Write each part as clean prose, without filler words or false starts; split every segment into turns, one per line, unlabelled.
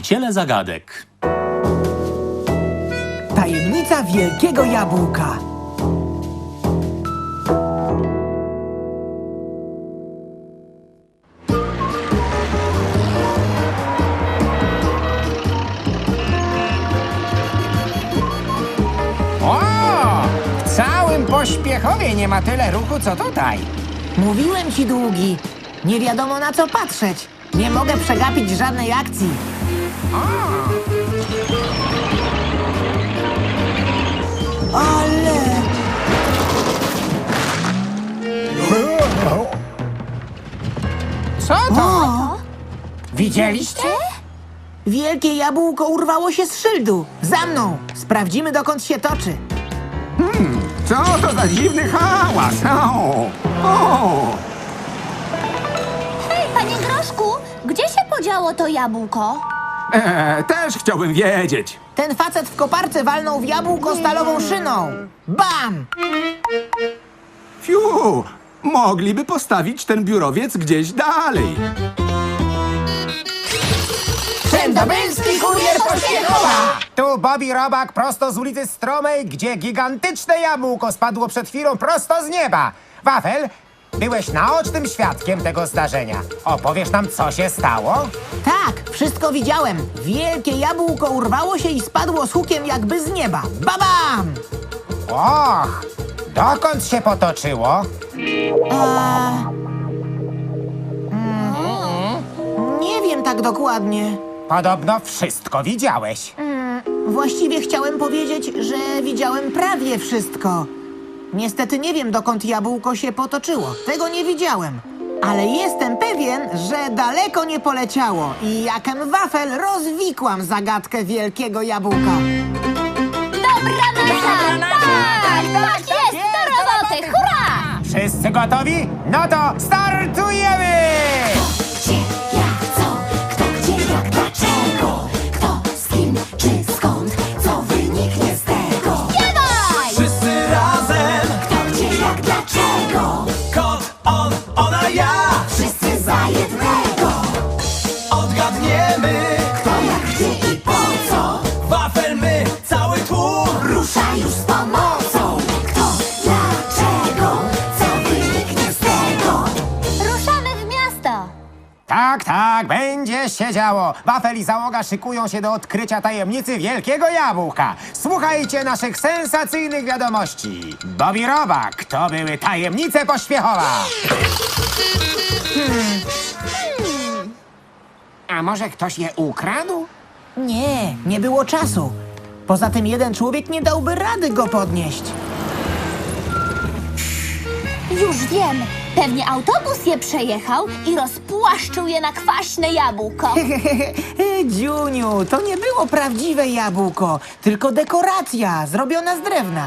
Rozwiąziciele zagadek.
Tajemnica wielkiego jabłka.
O! W całym Pośpiechowie nie ma tyle ruchu, co tutaj.
Mówiłem ci, Długi. Nie wiadomo na co patrzeć. Nie mogę przegapić żadnej akcji. Ale...
Co to?
O!
Widzieliście?
Wielkie jabłko urwało się z szyldu. Za mną. Sprawdzimy, dokąd się toczy.
Co to za dziwny hałas? O!
Hej, panie Groszku, gdzie się podziało to jabłko?
Też chciałbym wiedzieć.
Ten facet w koparce walnął w jabłko stalową szyną. Bam!
Fiu! Mogliby postawić ten biurowiec gdzieś dalej.
Wszędobylski kurier Pośpiechowa!
Tu Bobby Robak prosto z ulicy Stromej, gdzie gigantyczne jabłko spadło przed chwilą prosto z nieba. Wafel, byłeś naocznym świadkiem tego zdarzenia. Opowiesz nam, co się stało?
Tak, wszystko widziałem. Wielkie jabłko urwało się i spadło z hukiem jakby z nieba. Babam!
Och, dokąd się potoczyło?
Nie wiem tak dokładnie.
Podobno wszystko widziałeś.
Właściwie chciałem powiedzieć, że widziałem prawie wszystko. Niestety nie wiem, dokąd jabłko się potoczyło. Tego nie widziałem. Ale jestem pewien, że daleko nie poleciało i jakem wafel rozwikłam zagadkę wielkiego jabłka.
Dobra nasza! Tak jest! Do roboty! Hurra!
Wszyscy gotowi? No to startujemy!
Gdzie, jak, co, kto, gdzie, jak, dlaczego, kto, z kim, czy skąd, co wyniknie z tego.
Śpiewaj!
Wszyscy razem,
Kto, gdzie, jak, dlaczego,
kot, on, ona, ja.
wszyscy za jednego.
Odgadniemy,
Kto, jak, gdzie i po co,
wafel my, cały tłum.
rusza już z pomocą. Kto, dlaczego, co wyniknie z tego.
Ruszamy w miasto!
Tak, tak, będzie się działo. Wafel i załoga szykują się do odkrycia tajemnicy wielkiego jabłka. Słuchajcie naszych sensacyjnych wiadomości. Bobby Robak, to były tajemnice Pośpiechowa. A może ktoś je ukradł?
Nie, nie było czasu. Poza tym jeden człowiek nie dałby rady go podnieść.
Już wiem! Pewnie autobus je przejechał i rozpłaszczył je na kwaśne jabłko.
Dziuniu, to nie było prawdziwe jabłko, tylko dekoracja zrobiona z drewna.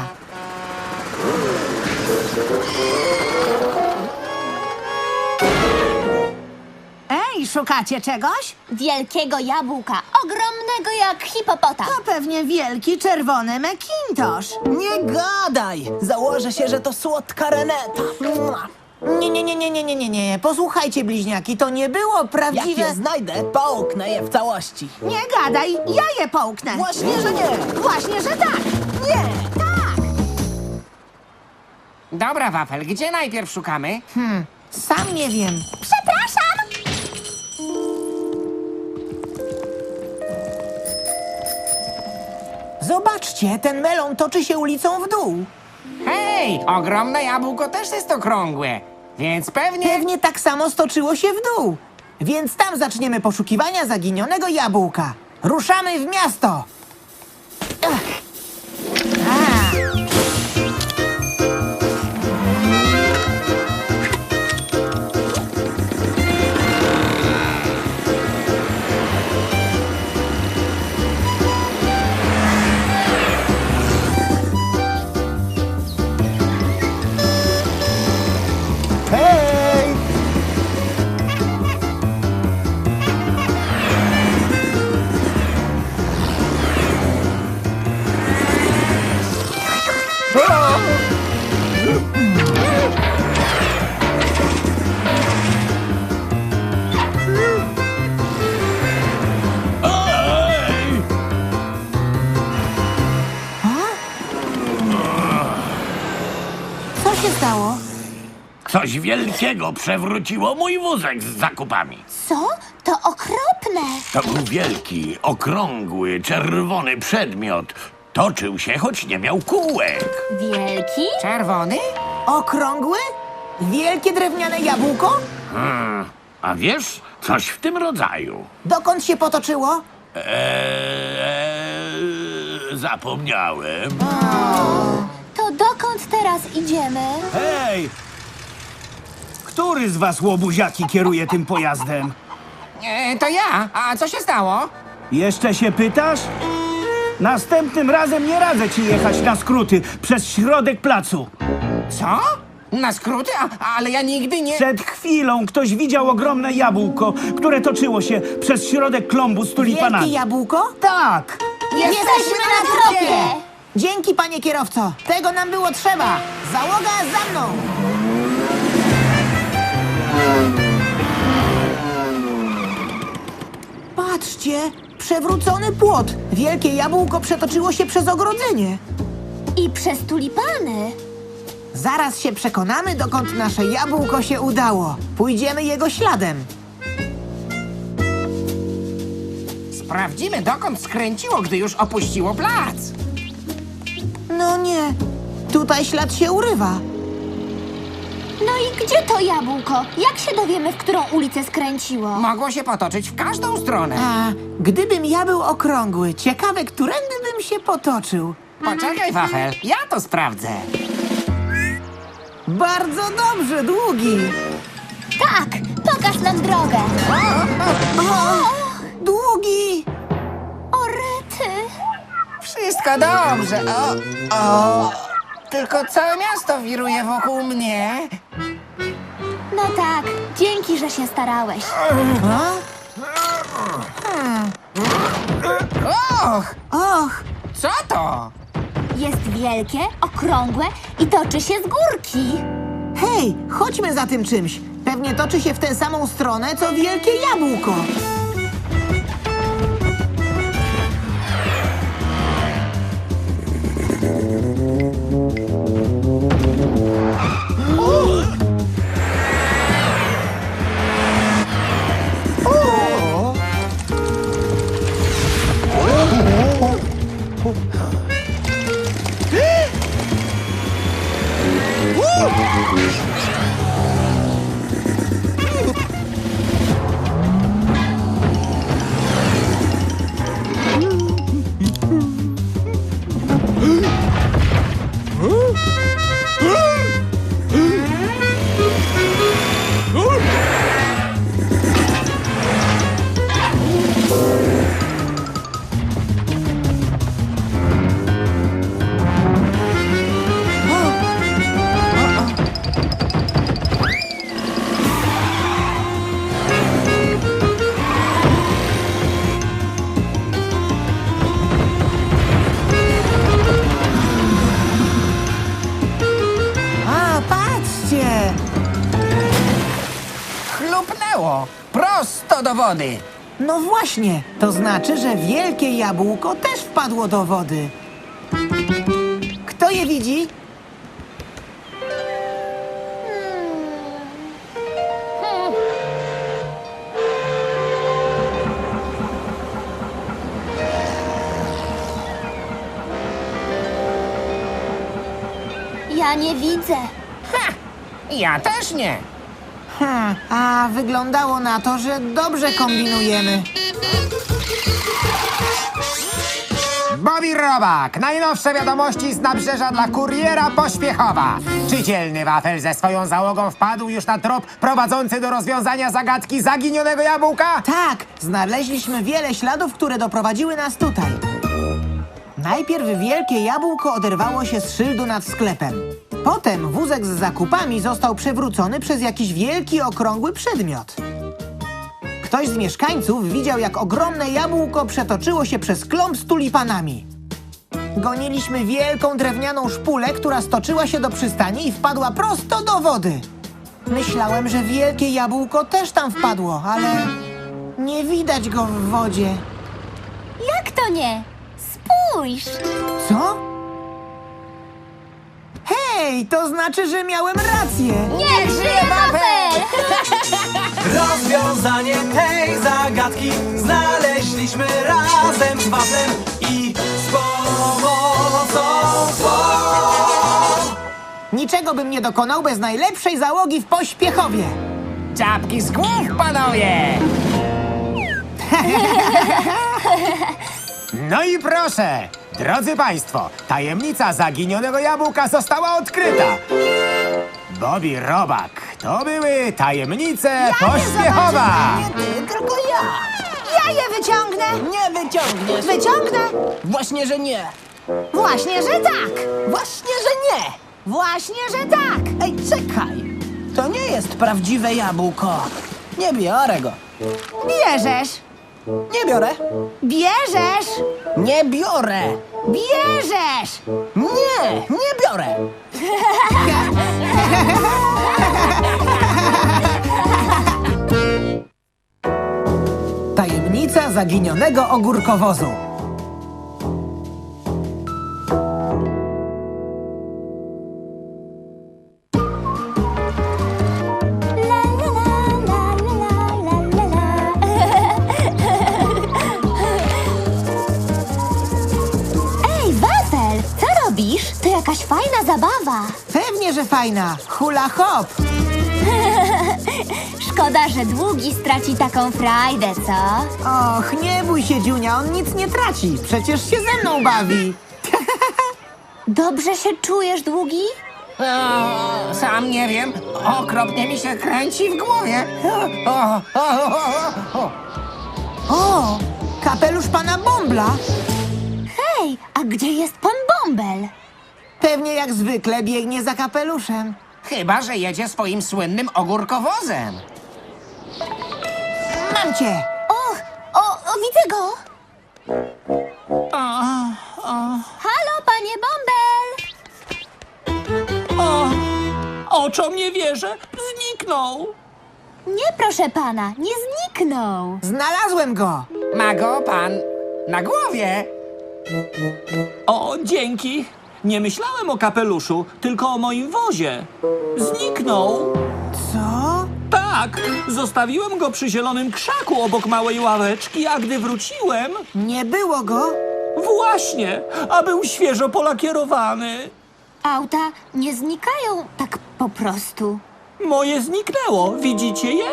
Ej, szukacie czegoś?
Wielkiego jabłka, ogromnego jak hipopotam.
To pewnie wielki czerwony Macintosh.
Nie gadaj! Założę się, że to słodka Reneta. Nie. Posłuchajcie, bliźniaki, to nie było prawdziwe...
Jak je
znajdę, połknę je w całości.
Nie gadaj, ja je połknę.
Właśnie, że nie.
Właśnie, że tak. Nie, tak.
Dobra, Wafel, gdzie najpierw szukamy?
Sam nie wiem.
Przepraszam!
Zobaczcie, ten melon toczy się ulicą w dół.
Hej, ogromne jabłko też jest okrągłe, więc pewnie...
Pewnie tak samo stoczyło się w dół. Więc tam zaczniemy poszukiwania zaginionego jabłka. Ruszamy w miasto. Ach. A.
Hej!
stało?
Coś wielkiego przewróciło mój wózek z zakupami.
Co? To okropne.
To był wielki, okrągły, czerwony przedmiot. Toczył się, choć nie miał kółek.
Wielki?
Czerwony?
Okrągły? Wielkie drewniane jabłko?
A wiesz, coś w tym rodzaju.
Dokąd się potoczyło?
Zapomniałem.
To dokąd teraz idziemy?
Hej! Który z was, łobuziaki, kieruje tym pojazdem?
To ja. A co się stało?
Jeszcze się pytasz? Następnym razem nie radzę ci jechać na skróty przez środek placu.
Co? Na skróty? Ale ja nigdy nie...
Przed chwilą ktoś widział ogromne jabłko, które toczyło się przez środek klombu z
Wielkie
tulipanami.
jabłko?
Tak!
Jesteśmy na tropie!
Dzięki, panie kierowco. Tego nam było trzeba. Załoga za mną. Patrzcie, przewrócony płot. Wielkie jabłko przetoczyło się przez ogrodzenie.
I przez tulipany.
Zaraz się przekonamy, dokąd nasze jabłko się udało. Pójdziemy jego śladem.
Sprawdzimy, dokąd skręciło, gdy już opuściło plac.
No nie, tutaj ślad się urywa.
No i gdzie to jabłko? Jak się dowiemy, w którą ulicę skręciło?
Mogło się potoczyć w każdą stronę.
A gdybym ja był okrągły, ciekawe, którędy bym się potoczył.
Poczekaj, Wafel, ja to sprawdzę.
Bardzo dobrze, Długi.
Tak, pokaż nam drogę.
Długi!
O rety.
Wszystko dobrze. O. Tylko całe miasto wiruje wokół mnie.
No tak, dzięki, że się starałeś.
Och,
Och,
co to?
Jest wielkie, okrągłe i toczy się z górki.
hej, chodźmy za tym czymś. Pewnie toczy się w tę samą stronę, co wielkie jabłko. A, patrzcie!
Chlupnęło. Prosto do wody.
No właśnie, to znaczy, że wielkie jabłko też wpadło do wody. Kto je widzi?
Ja nie widzę.
Ja też nie.
A wyglądało na to, że dobrze kombinujemy.
Bobby Robak, najnowsze wiadomości z nabrzeża dla kuriera Pośpiechowa. Czy dzielny Wafel ze swoją załogą wpadł już na trop prowadzący do rozwiązania zagadki zaginionego jabłka?
Tak, znaleźliśmy wiele śladów, które doprowadziły nas tutaj. Najpierw wielkie jabłko oderwało się z szyldu nad sklepem. Potem wózek z zakupami został przewrócony przez jakiś wielki, okrągły przedmiot. Ktoś z mieszkańców widział, jak ogromne jabłko przetoczyło się przez klomb z tulipanami. Goniliśmy wielką drewnianą szpulę, która stoczyła się do przystani i wpadła prosto do wody. Myślałem, że wielkie jabłko też tam wpadło, ale nie widać go w wodzie.
Jak to nie? Spójrz!
Co? Hej! Hej, to znaczy, że miałem rację.
Niech żyje wafel!
Rozwiązanie tej zagadki znaleźliśmy razem z waflem i z pomocą twą.
Niczego bym nie dokonał bez najlepszej załogi w Pośpiechowie.
Czapki z głów, panowie! No i proszę, drodzy państwo, tajemnica zaginionego jabłka została odkryta. Bobby Robak, to były tajemnice Pośpiechowa.
Nie ty, tylko ja. Ja je wyciągnę.
Nie wyciągniesz.
Wyciągnę.
Właśnie, że nie.
Właśnie, że tak.
Właśnie, że nie.
Właśnie, że tak.
Ej, czekaj. To nie jest prawdziwe jabłko. Nie biorę go.
Bierzesz.
Nie biorę.
Bierzesz.
Nie biorę.
Bierzesz.
Nie, nie biorę.
Tajemnica zaginionego ogórkowozu.
La, la, la, la, la, la, la, la. Ej, wafel, co robisz? To jakaś fajna zabawa.
Pewnie, że fajna. Hula hop.
Szkoda, że Długi straci taką frajdę, co?
Och, nie bój się, Dziunia, on nic nie traci. Przecież się ze mną bawi.
Dobrze się czujesz, Długi?
Sam nie wiem, okropnie mi się kręci w głowie.
O, kapelusz pana Bombla.
Hej, a gdzie jest pan Bąbel?
Pewnie jak zwykle biegnie za kapeluszem.
Chyba, że jedzie swoim słynnym ogórkowozem.
Mam cię.
O, widzę go! Halo, panie Bąbel!
Oczom nie wierzę. Zniknął.
Nie, proszę pana, nie zniknął.
Znalazłem go.
Ma go pan na głowie.
O, dzięki. Nie myślałem o kapeluszu, tylko o moim wozie. Zniknął.
Co?
Tak, zostawiłem go przy zielonym krzaku obok małej ławeczki, a gdy wróciłem...
Nie było go?
Właśnie, a był świeżo polakierowany.
Auta nie znikają tak po prostu.
Moje zniknęło, widzicie je?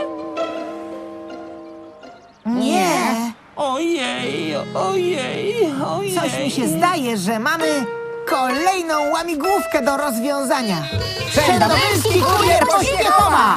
Nie.
Ojej, ojej, ojej.
Coś mi się zdaje, że mamy kolejną łamigłówkę do rozwiązania. Przedobylski kurier Pośpiechowa!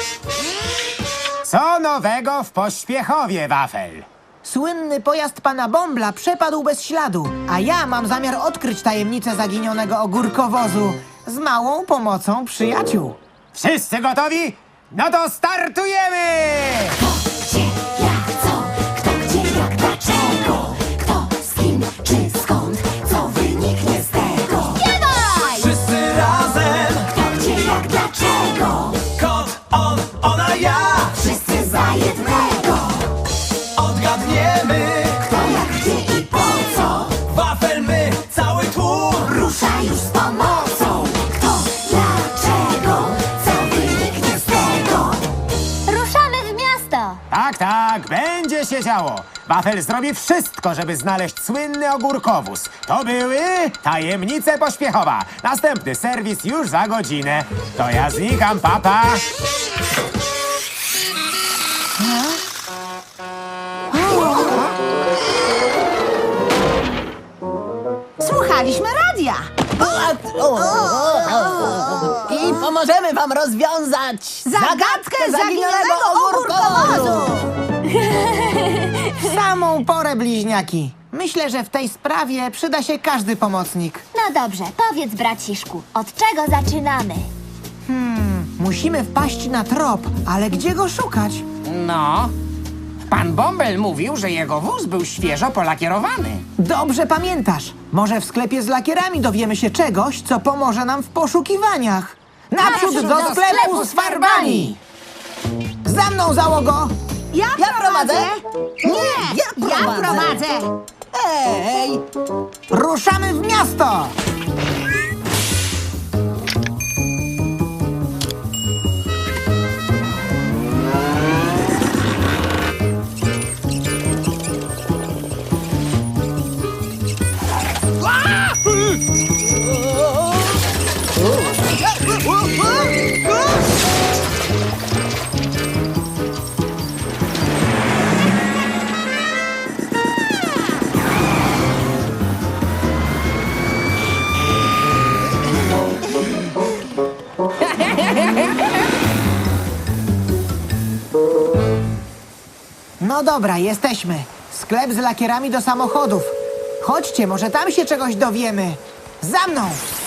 Co nowego w Pośpiechowie, wafel?
Słynny pojazd pana Bombla przepadł bez śladu, a ja mam zamiar odkryć tajemnicę zaginionego ogórkowozu z małą pomocą przyjaciół.
Wszyscy gotowi? No to startujemy!
Gdzie, jak, co, kto, gdzie, jak, dlaczego, kto, z kim, czy skąd, co wyniknie z tego.
Wszyscy razem.
Kto, gdzie, jak, dlaczego,
Kot, on, ona, ja.
wszyscy za jednego.
Odgadniemy.
Kto, jak, gdzie i po co,
Wafel, my, cały tłum.
rusza już z pomocą. Kto, dlaczego, co wyniknie z tego.
Ruszamy w miasto!
Tak, tak, będzie się działo. Wafel zrobi wszystko, żeby znaleźć słynny ogórkowóz. To były tajemnice Pośpiechowa. Następny serwis już za godzinę. To ja znikam, papa.
Słuchaliśmy radia.
I pomożemy wam rozwiązać
Zagadkę zaginionego ogórkowozu.
W samą porę, bliźniaki. Myślę, że w tej sprawie przyda się każdy pomocnik.
No dobrze, powiedz braciszku, od czego zaczynamy?
Musimy wpaść na trop, ale gdzie go szukać?
No, pan Bąbel mówił, że jego wóz był świeżo polakierowany.
Dobrze pamiętasz. Może w sklepie z lakierami dowiemy się czegoś, co pomoże nam w poszukiwaniach. Naprzód do sklepu z farbami! Za mną, załogo!
Ja
prowadzę?
Nie, ja prowadzę.
Ej,
Ruszamy w miasto! No dobra, jesteśmy. Sklep z lakierami do samochodów. Chodźcie, może tam się czegoś dowiemy. Za mną!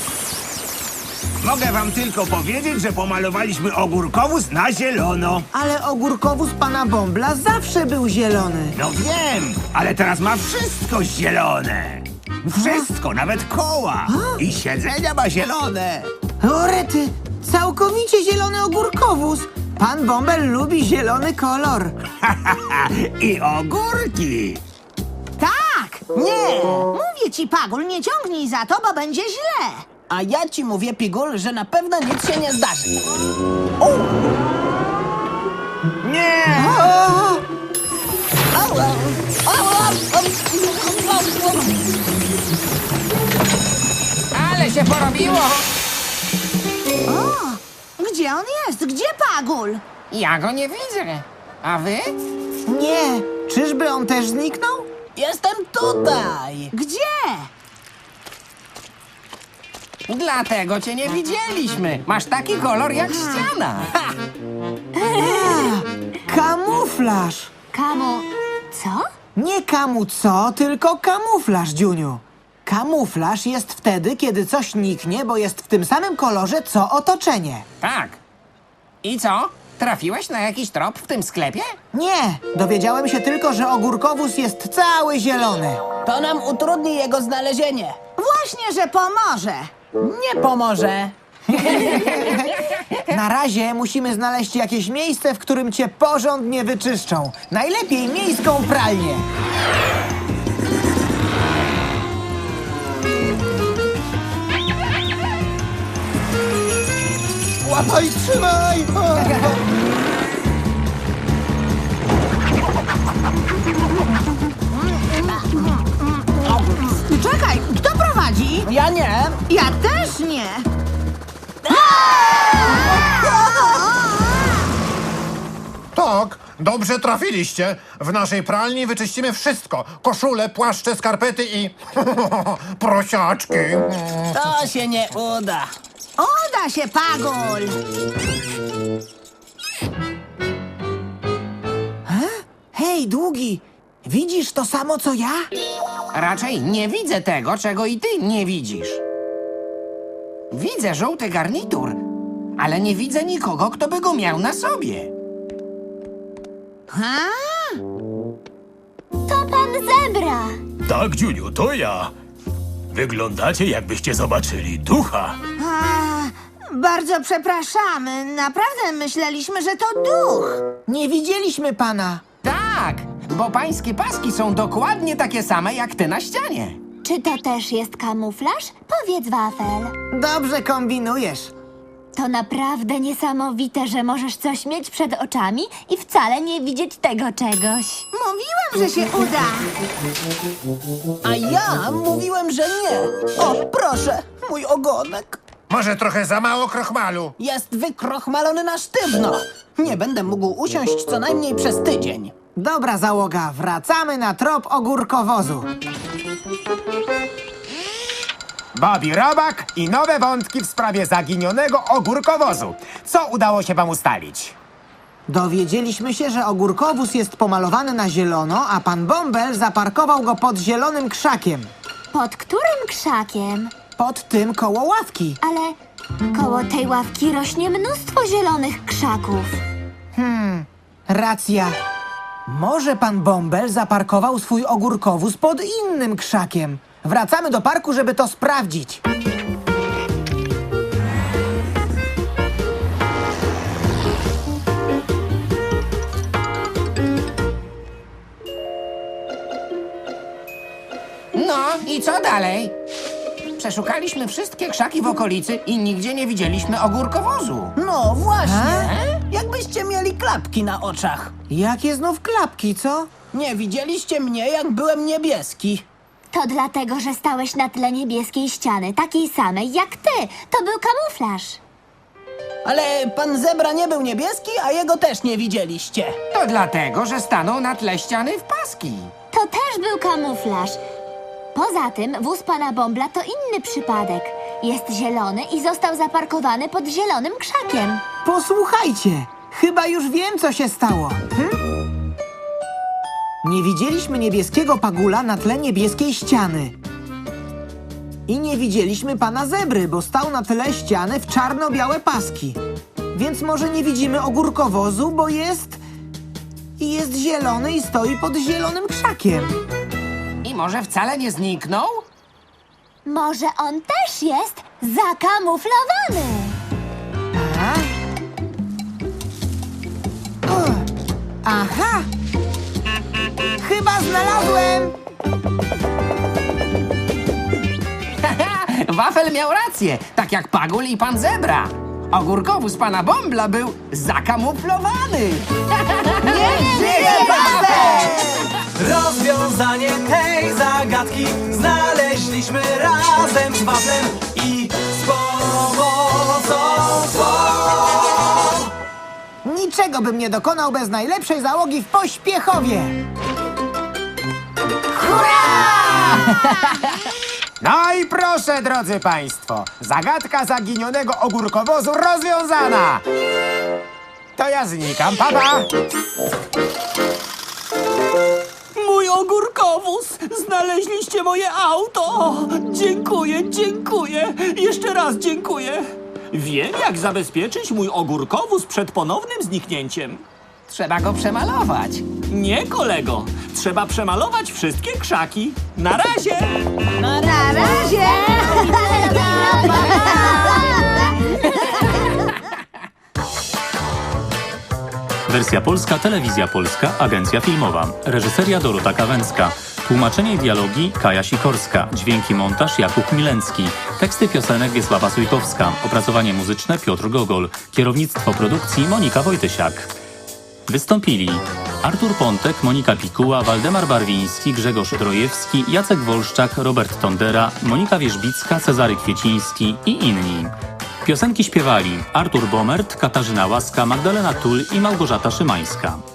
Mogę wam tylko powiedzieć, że pomalowaliśmy ogórkowóz na zielono.
Ale ogórkowóz pana Bąbla zawsze był zielony.
No wiem, ale teraz ma wszystko zielone. Wszystko, nawet koła. I siedzenia ma zielone.
O rety, całkowicie zielony ogórkowóz. Pan Bąbel lubi zielony kolor.
I ogórki.
Tak! Nie! Mówię ci, Pagul, nie ciągnij za to, bo będzie źle.
A ja ci mówię, Pigul, że na pewno nic się nie zdarzy.
Nie!
Ale się porobiło!
Gdzie on jest? Gdzie Pagul?
Ja go nie widzę. A wy?
Nie, czyżby on też zniknął?
Jestem tutaj!
Gdzie?
Dlatego cię nie widzieliśmy. Masz taki kolor jak ściana. Ha!
Kamuflaż.
Co?
Nie kamu co, tylko kamuflaż, Dziuniu. Kamuflaż jest wtedy, kiedy coś niknie, bo jest w tym samym kolorze, co otoczenie.
Tak. I co? Trafiłeś na jakiś trop w tym sklepie?
Nie, dowiedziałem się tylko, że ogórkowóz jest cały zielony.
To nam utrudni jego znalezienie.
Właśnie, że pomoże.
Nie pomoże.
Na razie musimy znaleźć jakieś miejsce, w którym cię porządnie wyczyszczą. Najlepiej miejską pralnię.
Łapaj, trzymaj!
Czekaj, kto prowadzi?
Ja nie.
Ja też nie.
Tak, dobrze trafiliście. W naszej pralni wyczyścimy wszystko. Koszule, płaszcze, skarpety i... prosiaczki.
To się nie uda.
Uda się, Pagul.
Hej, Długi, widzisz to samo, co ja?
Raczej nie widzę tego, czego i ty nie widzisz. Widzę żółty garnitur, ale nie widzę nikogo, kto by go miał na sobie.
Ha?
To pan Zebra.
Tak, Dziuniu, to ja. Wyglądacie, jakbyście zobaczyli ducha.
Bardzo przepraszamy. Naprawdę myśleliśmy, że to duch.
Nie widzieliśmy pana.
Tak, bo pańskie paski są dokładnie takie same jak ty na ścianie.
Czy to też jest kamuflaż? Powiedz, Wafel.
Dobrze kombinujesz.
To naprawdę niesamowite, że możesz coś mieć przed oczami i wcale nie widzieć tego czegoś.
Mówiłem, że się uda.
A ja mówiłem, że nie. O, proszę, mój ogonek.
Może trochę za mało krochmalu.
Jest wykrochmalony na sztywno. Nie będę mógł usiąść co najmniej przez tydzień.
Dobra załoga, wracamy na trop ogórkowozu.
Bobby Robak i nowe wątki w sprawie zaginionego ogórkowozu. Co udało się wam ustalić?
Dowiedzieliśmy się, że ogórkowóz jest pomalowany na zielono, a pan Bąbel zaparkował go pod zielonym krzakiem.
Pod którym krzakiem?
Pod tym koło ławki.
Ale koło tej ławki rośnie mnóstwo zielonych krzaków.
Racja. Może pan Bąbel zaparkował swój ogórkowóz pod innym krzakiem. Wracamy do parku, żeby to sprawdzić.
No i co dalej? Przeszukaliśmy wszystkie krzaki w okolicy i nigdzie nie widzieliśmy ogórkowozu. No właśnie. Jakbyście mieli klapki na oczach.
Jakie znów klapki, co?
Nie widzieliście mnie, jak byłem niebieski.
To dlatego, że stałeś na tle niebieskiej ściany, takiej samej jak ty. To był kamuflaż.
Ale pan Zebra nie był niebieski, a jego też nie widzieliście. To dlatego, że stanął na tle ściany w paski.
To też był kamuflaż. Poza tym wóz pana Bąbla to inny przypadek. Jest zielony i został zaparkowany pod zielonym krzakiem.
Posłuchajcie, chyba już wiem, co się stało. Nie widzieliśmy niebieskiego Pagula na tle niebieskiej ściany. I nie widzieliśmy pana Zebry, bo stał na tle ściany w czarno-białe paski. Więc może nie widzimy ogórkowozu, bo jest zielony i stoi pod zielonym krzakiem.
I może wcale nie zniknął?
Może on też jest zakamuflowany.
Aha! Chyba znalazłem!
Wafel miał rację, tak jak Pagul i pan Zebra. Ogórkowóz pana Bombla był zakamuflowany.
Nie żyje Wafel!
Rozwiązanie tej zagadki znaleźliśmy razem z waflem i z pomocą swą.
Niczego bym nie dokonał bez najlepszej załogi w Pośpiechowie!
No i proszę, drodzy państwo, zagadka zaginionego ogórkowozu rozwiązana! To ja znikam, papa!
Mój ogórkowóz! Znaleźliście moje auto! Dziękuję, dziękuję! Jeszcze raz dziękuję! Wiem, jak zabezpieczyć mój ogórkowóz przed ponownym zniknięciem.
Trzeba go przemalować.
Nie, kolego. Trzeba przemalować wszystkie krzaki. Na razie!
Na razie!
Wersja polska, Telewizja Polska, Agencja Filmowa. Reżyseria Dorota Kawęcka. Tłumaczenie i dialogi Kaja Sikorska. Dźwięki montaż Jakub Milencki. Teksty piosenek Wiesława Sujkowska. Opracowanie muzyczne Piotr Gogol. Kierownictwo produkcji Monika Wojtysiak. Wystąpili Artur Pontek, Monika Pikuła, Waldemar Barwiński, Grzegorz Drojewski, Jacek Wolszczak, Robert Tondera, Monika Wierzbicka, Cezary Kwieciński i inni. Piosenki śpiewali Artur Bomert, Katarzyna Łaska, Magdalena Tul i Małgorzata Szymańska.